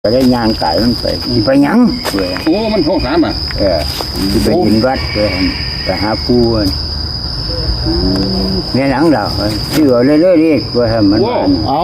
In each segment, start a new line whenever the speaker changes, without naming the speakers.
ได้ย่างกายมันไปหยังเว้ย
โอ้มันท้องสามอ่ะ
ที่ไปยินวัดเว้ยไปหาปูเนี่ยหลังเราชื่อเรื่อยๆดิเว้ยมัน
เอา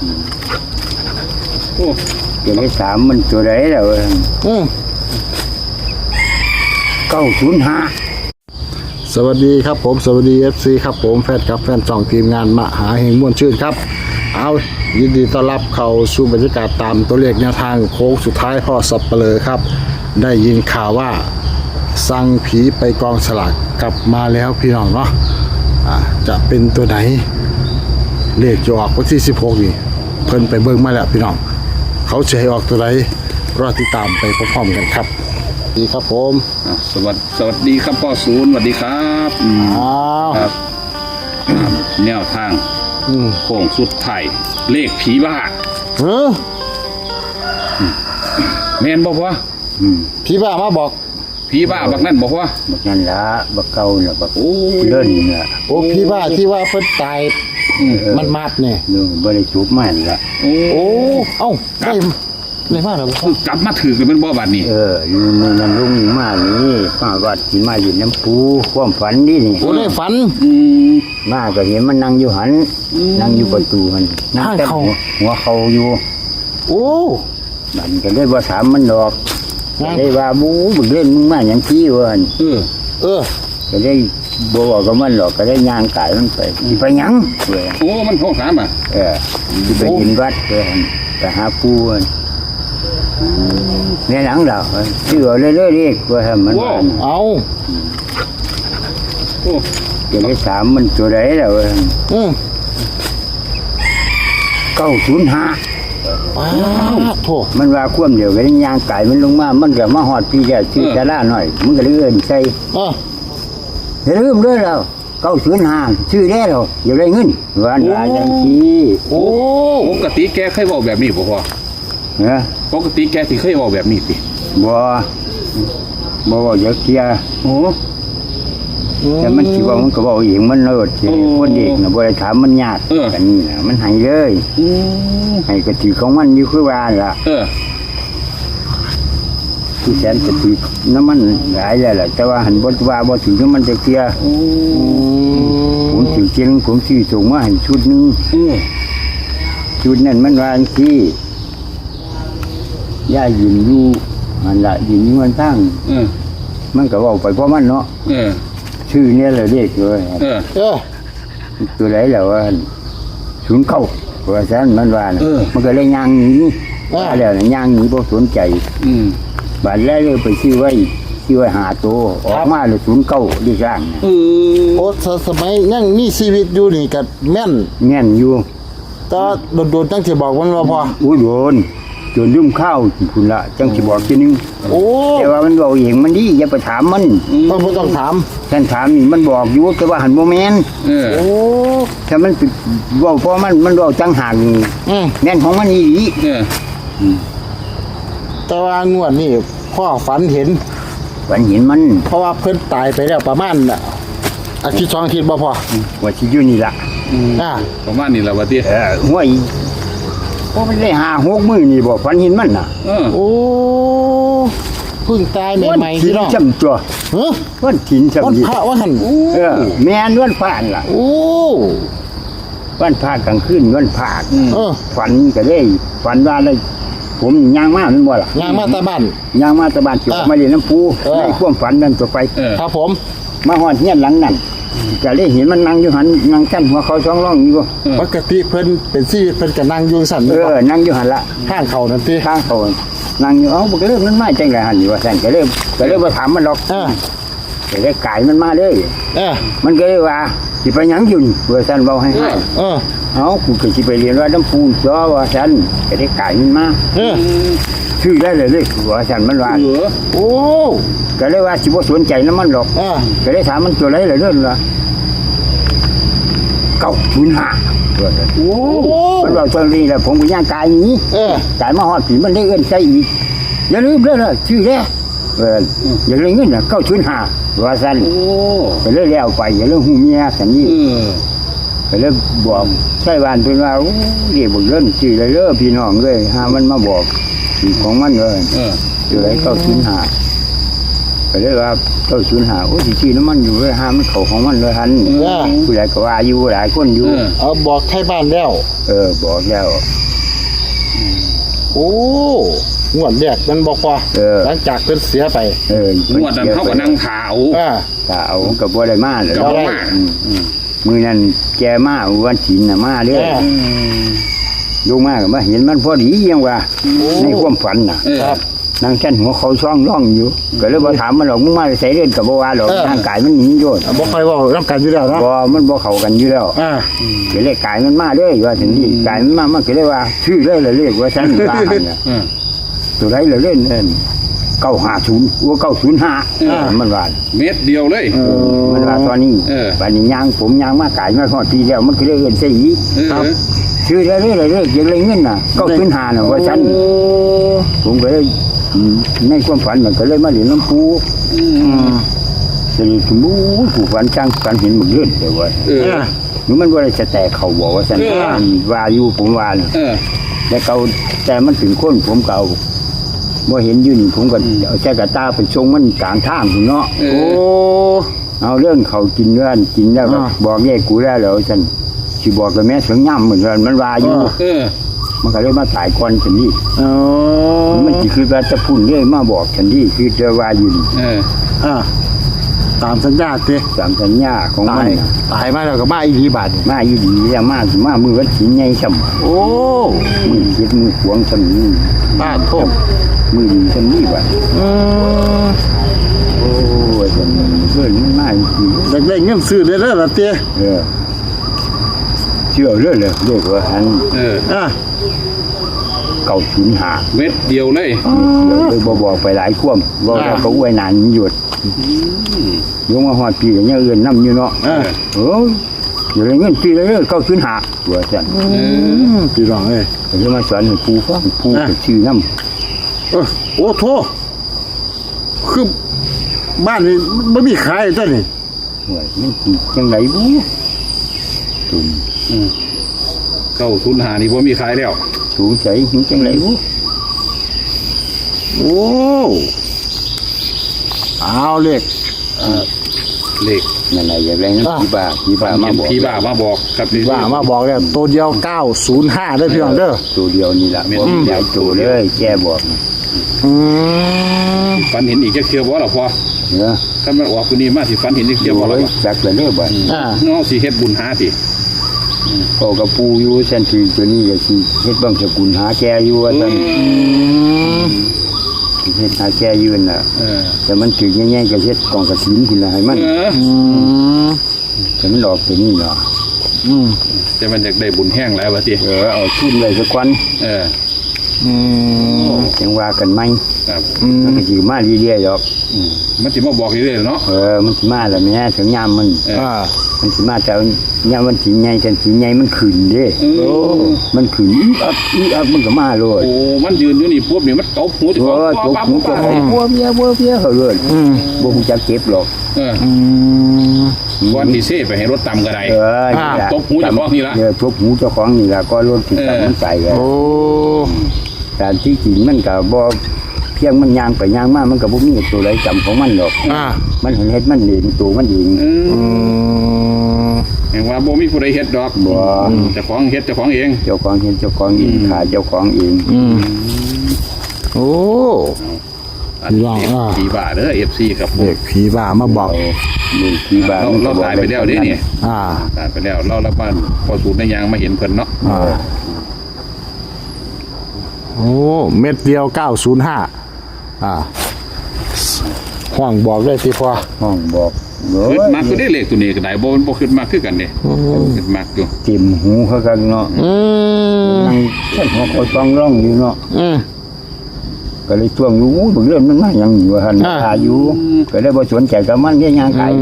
โอ้
เดี๋ยวได้สามมันตัวไหนแล้วเว้ย905
สวัสดีครับผมสวัสดี FC ครับผมแฟนครับแฟนช่องทีมงานมหาเฮงม่วนชื่นครับเอายินดีต้อนรับเข้าสู่บรรยากาศตามตัวเลขแนวทางโค้งสุดท้ายพ่อสับเปลือครับได้ยินข่าวว่าสั่งผีไปกองสลากกลับมาแล้วพี่น้องเนาะจะเป็นตัวไหนเลขจะออกวันที่16นี่เพิ่นไปเบิ่งมาแล้วพี่น้องเขาจะให้ออกตัวไหนรอติดตามไปพร้อมๆกันครับดีครับผม
สวัสดีครับพ่อศูนย์สวัสดีครับครับแนวทางโค้งสุดท้ายเลขผีบ้าแม่นบอกว่า
ผีบ้ามาบอก
ผีบ้าบักนั่นบอกว่า
บักนั่นละบักเก่าเนี่ยบักเล่นเนี่ย
โอ้ผีบ้าที่ว่าเพิ่นตายมันมัดเนี่ย
บ่ได้จูบมันละ
โอ้เอ้าได้มาแล้ว
กลับมาถือกันเป็นบ่บาดนี้
อยู่มือนั้นลุงมานี่ป้าวัดที่มาอยู่น้ำปูความฝันนี่
โอ้ได้ฝัน
มาก็เห็นมันนั่งอยู่หันนั่งอยู่ประตูหันนั่งแต่หัวเขาอยู่
โอ้
มันก็เลยว่าถามมันดอกได้ว่าบูบึกเล่นมึงมาอย่างที่วันก็ได้บอกกับมันหรอกก็ได้ย่างกายมันไปหยังเว้ย
โอ้มันท้องสามอ่ะ
ที่ไปยินวัดเว้ยไปหาปูเนี่ยหลังเราชื่อเรื่อยๆดิเว้ยมัน
เอา
เดี๋ยวได้สามมันตัวไหนแล้วเว้ย905
โถ
มันว่าคว่ำเดียวก็ได้ย่างไก่มันลงมามันก็มาหอดพี่แกชื่อจะล่าหน่อยมันก็เลยเอิ้นใส่อย่าลืมด้วยเรา905ชื่อได้เราอย่าได้เงินวันลาจังซี
โอ้ปกติแกเคยบอกแบบนี้บ่พ่อปกติแกสิเคยบอกแบบนี้สิ
บ่อย่าเคลียร์แต่มันสิว่ามันก็บอกเองมันเลิศคนเด็กน่ะบ่ได้ถามมันยากกันนี่น่ะมันให้เลยให้กะทิของมันอยู่คือว่าล่ะที่แสนกะทิน้ำมันหลายแล้วล่ะแต่ว่าหันบ่ว่าบ่ถึงมันจะเคลียร์ผมสิเจงผมสิส่งมาให้ชุดนึงชุดนั้นมันว่าที่ย่ายืนอยู่มันละยืนอยู่มันตั้งมันก็บอกไปเพราะมันเนาะชื่อเนี่ยเลยเรียกเลยตัวไหนแล้วว่า09ว่าซั่นมันว่ามันก็เลยย่างหนีแล้วย่างหนีบ่สนใจบาดแล้วเลยไปชื่อไว้หาตัวออกมาเลย09ดิสร้าง
โอ้สมัยยังมีชีวิตอยู่นี่ก็แม่น
อยู่
ก็โดนจังสิบอกมันว่าพอ
โดนจนลืมข้าวคุณละจังสิบอกทีนึงแต่ว่ามันบอกเองมันดีอย่าไปถามมัน
ไม่ต้องถาม
ฉันถามนี่มันบอกอยู่แต่ว่าหันโมเมนต์ถ้ามันบอกเพราะมันบอกจังห่างแน่นของมันนี่
แต่ว่างวดนี่พ่อฝันเห็น
มัน
เพราะว่าเพิ่นตายไปแล้วประมาณอาทิตย์2 อาทิตย์บ่พอ
ว่าสิอยู่นี่ล่ะ
ประมาณนี้ล่ะว่าติ
ห้วยเพราะมันได้5-6 มื้อนี่บ่ฝันเห็นมันน่ะ
โอ้เพิ่งตายใหม่ๆ
พี่น้องจำตัววันถิ่นจำ
วันพระว่าหั่น
แม่นวันพระล่ะ
โอ้
วันพระกลางคืนวันพระฝันก็ได้ฝันว่าได้ผมย่างมามันบ่ล่ะ
ย่างมาตะบ้าน
สิมาเรียนน้ำปูในความฝันนั้นต่อไป
ครับผม
มาฮอดเฮียนหลังนั้นก็ได้เห็นมันนั่งอยู่หันนั่งกั้นหัวเขา2ร่องอยู่
ปกติเพิ่นเป็นชีวิตเพิ่นก็นั่งอยู่สั่น
นั่งอยู่หันละ
ข้างเขานั่นติ
ข้างเขานั่งอยู่มันก็เริ่มมันมาจังได๋หั่นอยู่ว่าซั่นก็เริ่มบ่ถามมันหรอกก็ได้กายมันมาเลยมันก็เลยว่าสิไปหยังอยู่นี่ว่าซั่นเว้าให้กูก็สิไปเรียนว่าน้ำปูจ้อว่าซั่นก็ได้กายมันมาชื่อได้เลยว่าซั่นมันว่า
โอ้
ก็เลยว่าสิบ่สนใจนำมันหรอกก็ได้ถามมันตัวไหนล่ะเด้อล่ะ905โอ้มันบอกตรงนี้แหละผมก็ย่างกายนี้กายมาฮอดผีมันได้เอิ้นใส่อีกอย่าลืมเด้อชื่อแท้อย่าลืมเงินน่ะ905ว่าซั่นก็เลยแล้วไปอย่าลืมฮู้เมียซั่นนี่ก็เลยบอกใช่บ้านเพิ่นว่าโอ้เรียกบ่เล่นชื่อเลยเด้อพี่น้องเอ้ยหามันมาบอกคือของมันเลย อยู่ไร905ก็เลยว่า905โอ้ยชื่อน้ำมันอยู่เลยห้ามมันเขาของมันเลยหันผู้ใหญ่ก็ว่าอยู่หลายคนอยู่
เอาบอกให้บ้านแล้ว
บอกแล้ว
โอ้งวดแรกมันบอกว่าหลังจากเพิ่นเสียไป
งวดนั้นเขาก็นั่งถาว
ถ้าเอากับบ่ได้มาเลย
กับบ่มา
มือนั้นแกมาวันศีลน่ะมาเด้ลงมาก็มาเห็นมันพอดียังว่าในความฝันน่ะนั่งชั้นหัวเขาช่องร่องอยู่ก็เลยบ่ถามมันหรอกมึงมาใส่เล่นกับบ่ว่าหรอกร่างกายมันหนีโยน
บ่ค่อยเว้านํกันอยู่แล้วเนาะ
บ่มันบ่เข้ากันอยู่แล้วก็เลยกายมันมาเลยว่าถึงนี่กายมันมามันก็เลยว่าชื่อเลยเรียกว่าฉันว่าหั่นน่ะตัวใดเลยเล่น950ว่า905มันว่า
เม็ดเดียวเลย
มันว่าตอนนี้บัดนี้ย่างผมย่างมากายมาฮอดทีแล้วมันก็เลยเอิ้นใส่อีกครับชื่อเลยยังเลยเงินน่ะ905น่ะว่าฉันผมก็เลยในความฝันมันก็เลยมาเรียนน้ำปูจะเรียนสมบูรณ์ผู้ฝันจ้างฝันเห็นหมดเรื่องแต่ว่าหรือมันว่าอะไรจะแตกเขาบอกว่าฉันว่าอยู่ผมว่าแต่เก่าแต่มันถึงคนผมเก่าว่าเห็นยืนผมก็เอาแช่กระตาไปชงมันกลางทางคุณเนาะโอ้เอาเรื่องเขากินเรื่องกินแล้วบอกแย่กูได้แล้วฉันสิบอกกับแม่เสียงย่ำเหมือนกันมันว่าอยู่มันก็เลยมาถ่ายก่อนฉันนี่มันคือว่าจะพูดเรื่อยมาบอกฉันนี่คือจะว่าอยู่
ตามสัญญาสิ
ตามสัญญาของมัน
ตายมาแล้วก็มาอีดีบาท
มาอีดีแล้วมามือวัดสินใหญ่ช่ำโอ้มือเจ็ดมือขวงช่ำนี่
บ้าโทษ
มือดีช่ำนี่บาทโอ้ยฉันเพื่อนมันมาอีก
ได้เงินซื้อได้แล้วล่ะเตี้ย
เชื่อเรื่อยเลยเรียกว่าหัน905
เม็ดเดียวเลย
เลยบอกไปหลายคว่ำบอกแล้วก็อวยนานหยุดยงมาหอดปีอย่างเงี้ยเอื่นน้ำอยู่เนาะอยู่ในเงินปีเลย905ว่าจัน
พี่รองเลย
จะมาสอนให้ปูฟังปูชื่อน้ำ
โอ้โทคือบ้านนี้ไม่มีขายจ้ะนี่
มันยังไงบูตุ่ม
905นี่ผมมีขายแล้ว
ถูกใจยังไงบู
โอ้เอาเลข
นั่นแหละอย่างไรนะผีบ้ามา
บอกครับ
ผีบ้ามาบอกเนี่ยตัวเดียว905ได้พี่น้องเด้อ
ตัวเดียวนี่แหละผมใหญ่ตัวเลยแกบอก
ฝันเห็นอีกจะเคียวบ่หรอพอถ้ามันออกคนนี้มาสิฝันเห็นอีกเคียวบ่หรอ
จักเลยเด้อบ่
น้องสิเฮ็ดบุญหาสิ
ก็กระปูอยู่เส้นที่ตัวนี้ก็สิเฮ็ดบังสกุลหาแกอยู่ว่าซั่นเฮ็ดหาแกยืนน่ะแต่มันถือแง่ๆก็เฮ็ดกองกระถินคุณน่ะให้มันแต่มันดอกตัวนี้เนาะ
แต่มันอยากได้บุญแห้งแล้วว่าติ
เอาทุนไว้สักวันจังว่ากันไหม
ครับ
มันก็สิมาเรื่อยๆดอก
มันสิมาบอกเรื่อยๆเนาะ
มันสิมาแล้วแม่ถึงยามมันสิมาแต่ยามมันสิใหญ่จังสิใหญ่มันขึ้นเด้มันขึ้นอัพมันก็มาเลย
โอ้มันยืนอยู่นี่ปุ๊บนี่มันตบหูสิ
ตบหูจะบัวเบี้ยเขาเลยบ่ฮู้จักเก็บหรอก
วันที่เซ่ไปให้รถตำก็ได้ตบหูเจ้าของนี่ละ
ตบหูเจ้าของนี่ละก็รถติดตามมันไปโอ้แต่ที่จริงมันก็บ่เพียงมันยางไปยางมามันก็บ่มีตัวใดจำของมันหรอกมันเฮ็ดมันเองตัวมันเอง
เห็นว่าบ่มีผู้ใดเฮ็ดดอก
บ่
เจ้าของเฮ็ดเจ้าของเอง
เจ้าของเฮ็ดเจ้าของเองขาเจ้าของเอง
โอ้
ผีบ้าเด้อ FC ครับ
เด็กผีบ้ามาบอก
ผีบ้า
เราตายไปแล้วนี่ตายไปแล้วเราละบ้านพอสูตรในยางมาเห็นเพิ่นเนาะ
โอ้เม็ดเดียว905ห้องบอกได้สิพ่อ
ห้องบอก
ขึ้นมากก็ได้เลขตัวนี้ก็ได้บ่ขึ้นมากคือกันนี่ขึ้นมากอยู่
ติ่มหูเขากันเนาะนั่งเขาต้องร้องอยู่เนาะก็เลยช่วงรู้บางเรื่องมันมาอย่างอยู่หันอายุก็ได้บ่สนใจกับมันแค่ยางขาย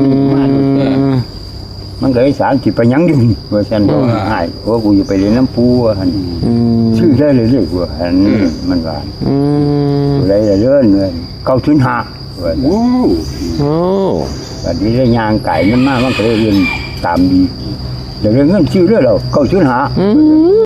มันก็เลย30ไปยังอยู่ว่าฉันบ่ให้ว่ากูอยู่ไปเรียนน้ำปูหันชื่อได้เลยว่าหันมันว่าอะไรเรื่องเลย905ว่าโอ้บัดนี้ได้ยางไก่มันมามันก็เลยเรียนตามดีเดี๋ยวเรื่องเงินชื่อเรื่องเรา905